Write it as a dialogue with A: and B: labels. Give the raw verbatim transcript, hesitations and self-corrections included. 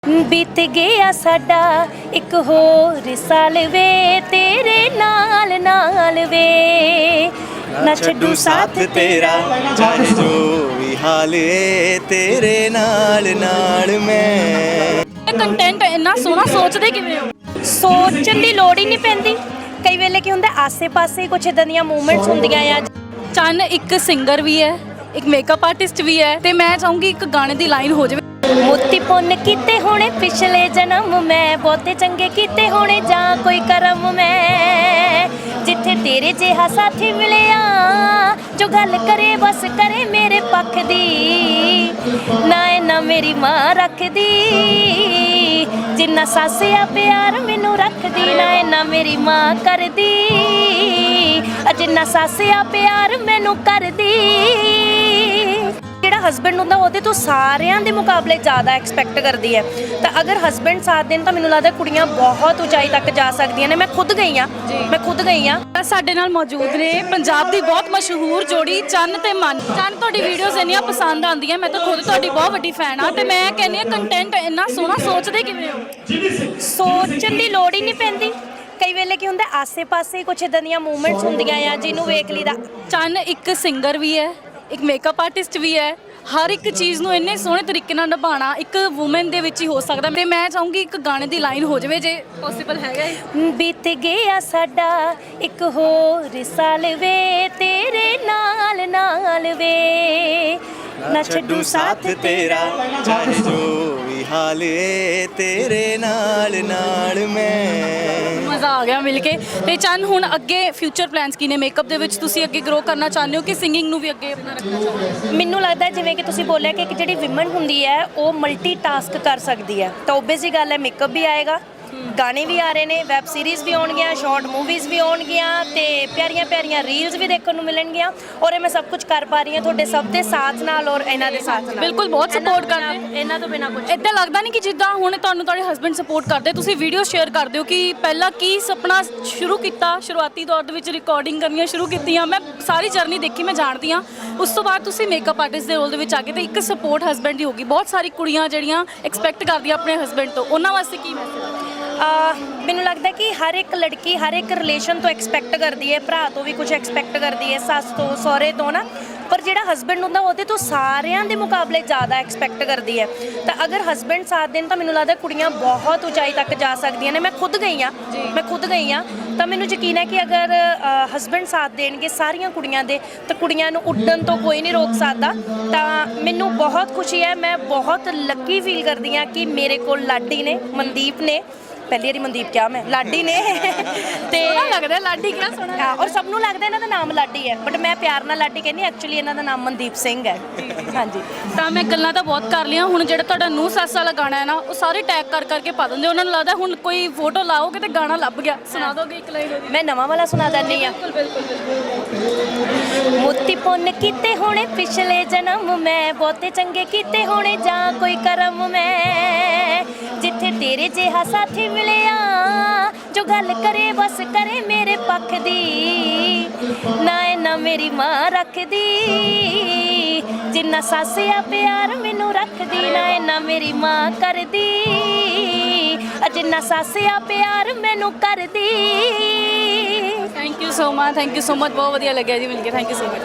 A: बीत गया साडा एक होर साल वे तेरे नाल नाल वे
B: ना छड्डू साथ तेरा चाहे जो भी हाल है तेरे नाल नाल मैं
C: ਕੰਟੈਂਟ ਇੰਨਾ ਸੋਹਣਾ ਸੋਚਦੇ ਕਿਵੇਂ ਹੋ?
A: ਸੋਚਣ ਦੀ ਲੋੜ ਹੀ ਨਹੀਂ ਪੈਂਦੀ। ਕਈ ਵੇਲੇ ਕੀ ਹੁੰਦਾ ਆਸੇ-ਪਾਸੇ ਕੁਝ ਇਦਾਂ ਦੀਆਂ ਮੂਵਮੈਂਟਸ ਹੁੰਦੀਆਂ ਆ।
C: ਚੰਨ ਇੱਕ ਸਿੰਗਰ ਵੀ ਹੈ, ਇੱਕ ਮੇਕਅਪ ਆਰਟਿਸਟ ਵੀ ਹੈ ਤੇ ਮੈਂ ਚਾਹੂੰਗੀ ਇੱਕ ਗਾਣੇ ਦੀ ਲਾਈਨ ਹੋ ਜਾਵੇ।
A: ਮੋਤੀ ਪੁੰਨ ਕੀਤੇ ਹੋਣੇ ਪਿਛਲੇ ਜਨਮ ਮੈਂ ਬਹੁਤੇ ਚੰਗੇ ਕੀਤੇ ਹੋਣੇ ਜਾਂ ਕੋਈ ਕਰਮ ਮੈਂ ਜਿੱਥੇ ਤੇਰੇ ਜਿਹਾ ਸਾਥੀ ਮਿਲਿਆ ਜੋ ਗੱਲ ਕਰੇ ਬਸ ਕਰੇ ਮੇਰੇ ਪੱਖ ਦੀ ਨਾ ਇਹ ਨਾ ਮੇਰੀ ਮਾਂ ਰੱਖਦੀ ਜਿੰਨਾ ਸਾਸਿਆ ਪਿਆਰ ਮੈਨੂੰ ਰੱਖਦੀ ਨਾ ਇਹ ਨਾ ਮੇਰੀ ਮਾਂ ਕਰਦੀ ਜਿੰਨਾ ਸਾਸਿਆ ਪਿਆਰ ਮੈਨੂੰ ਕਰਦੀ। ਜਿਹੜਾ ਹਸਬੈਂਡ ਹੁੰਦਾ ਉਹਦੇ ਤੋਂ ਸਾਰਿਆਂ ਦੇ ਮੁਕਾਬਲੇ ਜ਼ਿਆਦਾ ਐਕਸਪੈਕਟ ਕਰਦੀ ਹੈ ਤਾਂ ਅਗਰ ਹਸਬੈਂਡ ਸਾਥ ਦੇਣ ਤਾਂ ਮੈਨੂੰ ਲੱਗਦਾ ਕੁੜੀਆਂ ਬਹੁਤ ਉਚਾਈ ਤੱਕ ਜਾ ਸਕਦੀਆਂ ਨੇ। ਮੈਂ ਖੁਦ ਗਈ ਹਾਂ ਮੈਂ ਖੁਦ ਗਈ ਹਾਂ
C: ਸਾਡੇ ਨਾਲ ਮੌਜੂਦ ਨੇ ਪੰਜਾਬ ਦੀ ਬਹੁਤ ਮਸ਼ਹੂਰ ਜੋੜੀ ਚੰਨ ਤੇ ਮਨ। ਚੰਨ ਤੁਹਾਡੀ ਵੀਡੀਓਜ਼ ਇੰਨੀਆਂ ਪਸੰਦ ਆਉਂਦੀਆਂ, ਮੈਂ ਤਾਂ ਖੁਦ ਤੁਹਾਡੀ ਬਹੁਤ ਵੱਡੀ ਫੈਨ ਆ ਤੇ ਮੈਂ ਕਹਿੰਦੀ ਹਾਂ ਕੰਟੈਂਟ ਇੰਨਾ ਸੋਹਣਾ ਸੋਚਦੇ ਕਿਵੇਂ ਹੋ?
A: ਸੋਚਣ ਦੀ ਲੋੜ ਹੀ ਨਹੀਂ ਪੈਂਦੀ। ਕਈ ਵੇਲੇ ਕੀ ਹੁੰਦਾ ਆਸੇ-ਪਾਸੇ ਕੁਝ ਇਦਾਂ ਦੀਆਂ ਮੂਵਮੈਂਟਸ ਹੁੰਦੀਆਂ ਆ ਜਿਹਨੂੰ ਵੇਖ ਲਈਦਾ।
C: ਚੰਨ ਇੱਕ ਸਿੰਗਰ ਵੀ ਹੈ, ਇੱਕ ਮੇਕਅਪ ਆਰਟਿਸਟ ਵੀ ਹੈ, ਹਰ ਇੱਕ ਚੀਜ਼ ਨੂੰ ਇੰਨੇ ਸੋਹਣੇ ਤਰੀਕੇ ਨਾਲ ਨਿਭਾਉਣਾ ਇੱਕ ਵੂਮਨ ਦੇ ਵਿੱਚ ਹੀ ਹੋ ਸਕਦਾ ਤੇ ਮੈਂ ਚਾਹੂੰਗੀ ਇੱਕ ਗਾਣੇ ਦੀ ਲਾਈਨ ਹੋ ਜਾਵੇ ਜੇ ਪੋਸੀਬਲ ਹੈਗਾ ਹੈ।
A: ਬੀਤ ਗਿਆ ਸਾਡਾ ਇੱਕ ਹੋਰ ਸਾਲ ਵੇ ਤੇਰੇ ਨਾਲ ਨਾਲ ਵੇ
B: ना छड्डू साथ तेरा चाहे जो भी हाल है तेरे नाल नाल मैं।
C: ਮਜ਼ਾ ਆ ਗਿਆ ਮਿਲ ਕੇ। ਤੇ ਚੰਨ ਹੁਣ ਅੱਗੇ ਫਿਊਚਰ ਪਲਾਨਸ ਕੀ ਨੇ ਮੇਕਅਪ ਦੇ ਵਿੱਚ? ਤੁਸੀਂ ਅੱਗੇ ਗਰੋ ਕਰਨਾ ਚਾਹੁੰਦੇ ਹੋ ਕਿ ਸਿੰਗਿੰਗ ਨੂੰ ਵੀ ਅੱਗੇ ਆਪਣਾ ਰੱਖਣਾ ਚਾਹੁੰਦੇ ਹੋ?
A: ਮੈਨੂੰ ਲੱਗਦਾ ਜਿਵੇਂ ਕਿ ਤੁਸੀਂ ਬੋਲਿਆ ਕਿ ਇੱਕ ਜਿਹੜੀ ਵਿਮਨ ਹੁੰਦੀ ਹੈ ਉਹ ਮਲਟੀ ਟਾਸਕ ਕਰ ਸਕਦੀ ਹੈ ਤਾਂ ਓਬਵੀਅਸ ਹੀ ਗੱਲ ਹੈ ਮੇਕਅਪ ਵੀ ਆਏਗਾ, ਗਾਣੇ ਵੀ ਆ ਰਹੇ ਨੇ, ਵੈਬ ਸੀਰੀਜ਼ ਵੀ ਆਉਣਗੀਆਂ, ਸ਼ਾਰਟ ਮੂਵੀਜ਼ ਵੀ ਆਉਣਗੀਆਂ ਤੇ ਪਿਆਰੀਆਂ ਪਿਆਰੀਆਂ ਰੀਲਸ ਵੀ ਦੇਖਣ ਨੂੰ ਮਿਲਣਗੀਆਂ ਔਰ ਇਹ ਮੈਂ ਸਭ ਕੁਝ ਕਰ ਪਾ ਰਹੀ ਹਾਂ ਤੁਹਾਡੇ ਸਭ ਦੇ ਸਾਥ ਨਾਲ ਔਰ ਇਹਨਾਂ ਦੇ ਸਾਥ ਨਾਲ।
C: ਬਿਲਕੁਲ ਬਹੁਤ ਸਪੋਰਟ ਕਰਦੇ
A: ਇਹਨਾਂ ਤੋਂ ਬਿਨਾ ਕੁਝ
C: ਇੱਦਾਂ ਲੱਗਦਾ ਨਹੀਂ ਕਿ ਜਿੱਦਾਂ ਹੁਣ ਤੁਹਾਨੂੰ ਤੁਹਾਡੇ ਹਸਬੈਂਡ ਸਪੋਰਟ ਕਰਦੇ, ਤੁਸੀਂ ਵੀਡੀਓ ਸ਼ੇਅਰ ਕਰਦੇ ਹੋ ਕਿ ਪਹਿਲਾਂ ਕੀ ਸੁਪਨਾ ਸ਼ੁਰੂ ਕੀਤਾ, ਸ਼ੁਰੂਆਤੀ ਦੌਰ ਦੇ ਵਿੱਚ ਰਿਕਾਰਡਿੰਗ ਕਰਨੀਆਂ ਸ਼ੁਰੂ ਕੀਤੀਆਂ, ਮੈਂ ਸਾਰੀ ਜਰਨੀ ਦੇਖੀ, ਮੈਂ ਜਾਣਦੀ ਹਾਂ। ਉਸ ਤੋਂ ਬਾਅਦ ਤੁਸੀਂ ਮੇਕਅਪ ਆਰਟਿਸਟ ਦੇ ਰੋਲ ਦੇ ਵਿੱਚ ਆ ਗਏ ਤੇ ਇੱਕ ਸਪੋਰਟ ਹਸਬੈਂਡ ਦੀ ਹੋਗੀ। ਬਹੁਤ ਸਾਰੀ ਕੁੜੀਆਂ ਜਿਹੜੀਆਂ ਐਕਸਪੈਕਟ ਕਰਦੀਆਂ ਆਪਣੇ ਹਸਬੈਂਡ ਤੋਂ, ਉਹਨਾਂ ਵਾਸਤੇ ਕੀ ਮੈਸੇਜ?
A: ਮੈਨੂੰ ਲੱਗਦਾ ਕਿ ਹਰ ਇੱਕ ਲੜਕੀ ਹਰ ਇੱਕ ਰਿਲੇਸ਼ਨ ਤੋਂ ਐਕਸਪੈਕਟ ਕਰਦੀ ਹੈ, ਭਰਾ ਤੋਂ ਵੀ ਕੁਝ ਐਕਸਪੈਕਟ ਕਰਦੀ ਹੈ, ਸੱਸ ਤੋਂ, ਸਹੁਰੇ ਤੋਂ ਨਾ, ਪਰ ਜਿਹੜਾ ਹਸਬੈਂਡ ਹੁੰਦਾ ਉਹਦੇ ਤੋਂ ਸਾਰਿਆਂ ਦੇ ਮੁਕਾਬਲੇ ਜ਼ਿਆਦਾ ਐਕਸਪੈਕਟ ਕਰਦੀ ਹੈ ਤਾਂ ਅਗਰ ਹਸਬੈਂਡ ਸਾਥ ਦੇਣ ਤਾਂ ਮੈਨੂੰ ਲੱਗਦਾ ਕੁੜੀਆਂ ਬਹੁਤ ਉਚਾਈ ਤੱਕ ਜਾ ਸਕਦੀਆਂ ਨੇ। ਮੈਂ ਖੁਦ ਗਈ ਹਾਂ ਮੈਂ ਖੁਦ ਗਈ ਹਾਂ ਤਾਂ ਮੈਨੂੰ ਯਕੀਨ ਹੈ ਕਿ ਅਗਰ ਹਸਬੈਂਡ ਸਾਥ ਦੇਣਗੇ ਸਾਰੀਆਂ ਕੁੜੀਆਂ ਦੇ ਤਾਂ ਕੁੜੀਆਂ ਨੂੰ ਉੱਡਣ ਤੋਂ ਕੋਈ ਨਹੀਂ ਰੋਕ ਸਕਦਾ। ਤਾਂ ਮੈਨੂੰ ਬਹੁਤ ਖੁਸ਼ੀ ਹੈ, ਮੈਂ ਬਹੁਤ ਲੱਕੀ ਫੀਲ ਕਰਦੀ ਹਾਂ ਕਿ ਮੇਰੇ ਕੋਲ ਲਾਡੀ ਨੇ, ਮਨਦੀਪ ਨੇ, ਪਹਿਲੀ ਵਾਰੀ ਮਨਦੀਪ ਕਿਹਾ ਮੈਂ, ਲਾਡੀ ਨੇ ਤੇ
C: ਲੱਗਦਾ ਲਾਡੀ ਕਿਹੜਾ ਸੋਹਣਾ
A: ਹਾਂ ਔਰ ਸਭ ਨੂੰ ਲੱਗਦਾ ਇਹਨਾਂ ਦਾ ਨਾਮ ਲਾਡੀ ਹੈ ਬਟ ਮੈਂ ਪਿਆਰ ਨਾਲ ਲਾਡੀ ਕਹਿੰਦੀ, ਐਕਚੁਅਲੀ ਇਹਨਾਂ ਦਾ ਨਾਮ ਮਨਦੀਪ ਸਿੰਘ ਹੈ। ਹਾਂਜੀ
C: ਤਾਂ ਮੈਂ ਗੱਲਾਂ ਤਾਂ ਬਹੁਤ ਕਰ ਲਿਆ, ਹੁਣ ਜਿਹੜਾ ਤੁਹਾਡਾ ਨੂੰਹ ਸੱਸ ਵਾਲਾ ਗਾਣਾ ਹੈ ਨਾ ਉਹ ਸਾਰੇ ਟੈਗ ਕਰ ਕਰਕੇ ਪਾ ਦਿੰਦੇ, ਉਹਨਾਂ ਨੂੰ ਲੱਗਦਾ ਹੁਣ ਕੋਈ ਫੋਟੋ ਲਾਓਗੇ ਤੇ ਗਾਣਾ ਲੱਭ ਗਿਆ। ਸੁਣਾ ਦੋਗੇ ਇੱਕ ਲਾਈਨ?
A: ਮੈਂ ਨਵਾਂ ਵਾਲਾ ਸੁਣਾ ਦਿੰਦੀ ਹਾਂ।
C: ਬਿਲਕੁਲ ਬਿਲਕੁਲ।
A: ਮੋਤੀ ਪੁੰਨ ਕੀਤੇ ਹੋਣੇ ਪਿਛਲੇ ਜਨਮ ਮੈਂ ਬਹੁਤੇ ਚੰਗੇ ਕੀਤੇ ਹੋਣੇ ਜਾਂ ਕੋਈ ਕਰਮ ਮੈਂ ਜਿੱਥੇ ਤੇਰੇ ਜਿਹਾ ਸਾਥੀ ਮਿਲਿਆ ਜੋ ਗੱਲ ਕਰੇ ਬਸ ਕਰੇ ਮੇਰੇ ਪੱਖ ਦੀ ਨਾ ਇਹ ਨਾ ਮੇਰੀ ਮਾਂ ਰੱਖਦੀ ਜਿੰਨਾ ਸਾਸਿਆ ਪਿਆਰ ਮੈਨੂੰ ਰੱਖਦੀ ਨਾ ਇਹ ਨਾ ਮੇਰੀ ਮਾਂ ਕਰਦੀ ਜਿੰਨਾ ਸਾਸਿਆ ਪਿਆਰ ਮੈਨੂੰ ਕਰਦੀ।
C: Thank you so much, thank you so much, ਬਹੁਤ ਵਧੀਆ ਲੱਗਿਆ ਜੀ ਮਿਲ ਕੇ, ਥੈਂਕ ਯੂ ਸੋ ਮਚ।